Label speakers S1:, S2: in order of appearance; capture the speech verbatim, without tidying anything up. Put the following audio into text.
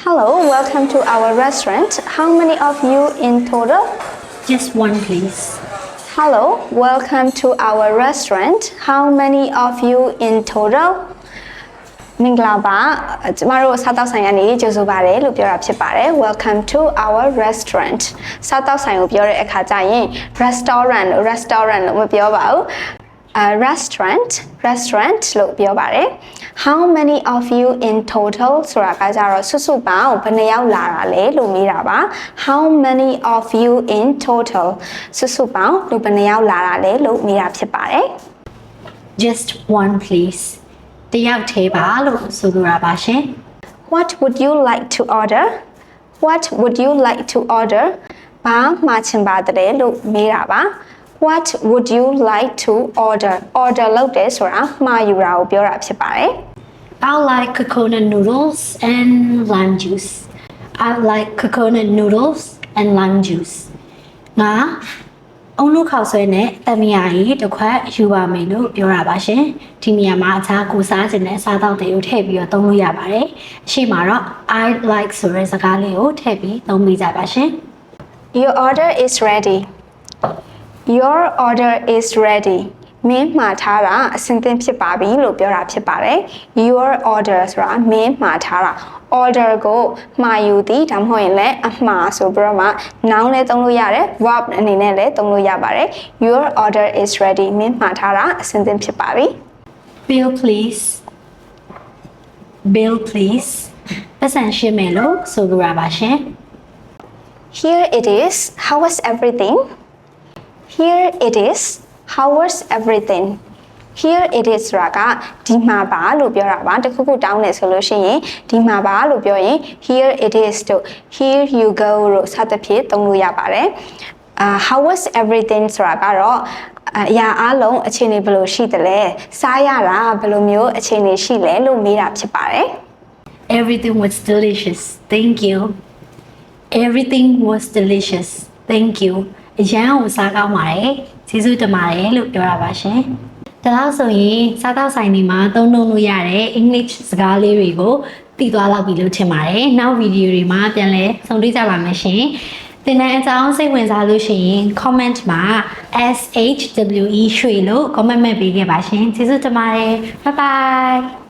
S1: Hello, welcome to our restaurant. How many of you in total?
S2: Just one, please.
S1: Hello, welcome to our restaurant. How many of you in total? မင်္ဂလာပါကျမတို့စားတောက်ဆိုင်ကနေကြိုဆိုပါရစေလို့ပြောတာဖြစ်ပါတယ် Welcome to our restaurant စားတောက်ဆိုင်ကိုပြောတဲ့အခါကျရင် restaurant လို့ restaurant လို့မပြောပါဘူး a restaurant restaurant လို့ပြောပါတယ် How many of you in total ဆိုတာကကြတော့စုစုပေါင်းဘယ်နှယောက်လာတာလဲလို့မေးတာပါ How many of you in total စုစုပေါင်းလူဘယ်နှယောက်လာတာလဲလို့မေးတာဖြစ်ပါတယ်
S2: Just one, please. တယောက်သေးပါလို့ဆိုလိုတာပါရှင်
S1: What would you like to order? What would you like to order? ဘာမှာချင်ပါသလဲလို့မေးတာပါ What would you like to order? Order လုပ်တယ်ဆိုတာမှာယူတာကိုပြောတာဖြစ်ပါတယ်
S2: I like coconut noodles and lime juice. I like coconut noodles and lime juice. ငါအုံလို့ခောက်ဆွဲနဲ့တမယာကြီးတစ်ခွက်ယူပါမယ်လို့ပြောတာပါရှင်ဒီနေရာမှာအခြားကိုစားခြင်းနဲ့စားတော့တွေကိုထည့်ပြီးတော့သုံးလို့ရပါတယ်အရှိမတော့ I like ဆိုတဲ့စကားလေးကိုထည့်ပြီးသုံးမိကြပါရှင်
S1: Your order is ready. Your order is ready. မင်းမှာထားတာအဆင်သင့်ဖြစ်ပါပြီလို့ပြောတာဖြစ်ပါတယ် Your order ဆိုတာမင်းမှာထားတာ order ကိုမှာယူသည်ဒါမှမဟုတ်ရင်လည်းအမှားဆိုပြီးတော့မှ noun လည်းသုံးလို့ရတယ် verb အနေနဲ့လည်းသုံးလို့ရပါတယ် Your order is ready မင်းမှာထားတာအဆင်သင့်ဖြစ်ပါပြီ
S2: Bill please Bill please ပတ်စံရှင်းမယ်လို့ဆိုလိုတာပါရှင်
S1: Here it is. How was everything? Here it is. How was everything? Here it is ဆိုတာကဒီမှာပါလို့ပြောတာပါတခုခုတောင်းနေဆိုလို့ရှိရင်ဒီမှာပါလို့ပြောရင် here it is တို့ here you go လို့စသဖြင့်သုံးလို့ရပါတယ်အာ how was everything ဆိုတာကတော့အရာအလုံးအခြေအနေဘယ်လိုရှိသလဲစားရတာဘယ်လိုမျိုးအခြေအနေရှိလဲလို့မေးတာဖြစ်ပါတယ်
S2: Everything was delicious. Thank you. Everything was delicious. Thank you. အရန်ကိုစားကောင်းပါတယ်။ကျေးဇူးတင်ပါတယ်လို့ပြောတာပါရှင်။ဒါလို့ဆိုရင်စားသောက်ဆိုင်တွေမှာသုံးလို့ရတဲ့ English စကားလေးတွေကိုသိသွားလောက်ပြီလို့ထင်ပါတယ်။နောက်ဗီဒီယိုတွေမှာပြန်လည်ဆုံတွေ့ကြပါမယ်ရှင်။သင်တန်းအကြောင်းစိတ်ဝင်စားလို့ရှိရင် comment မှာ S H W E ရွှေလို့ comment မဲ့ပေးခဲ့ပါရှင်။ကျေးဇူးတင်ပါတယ်။ Bye bye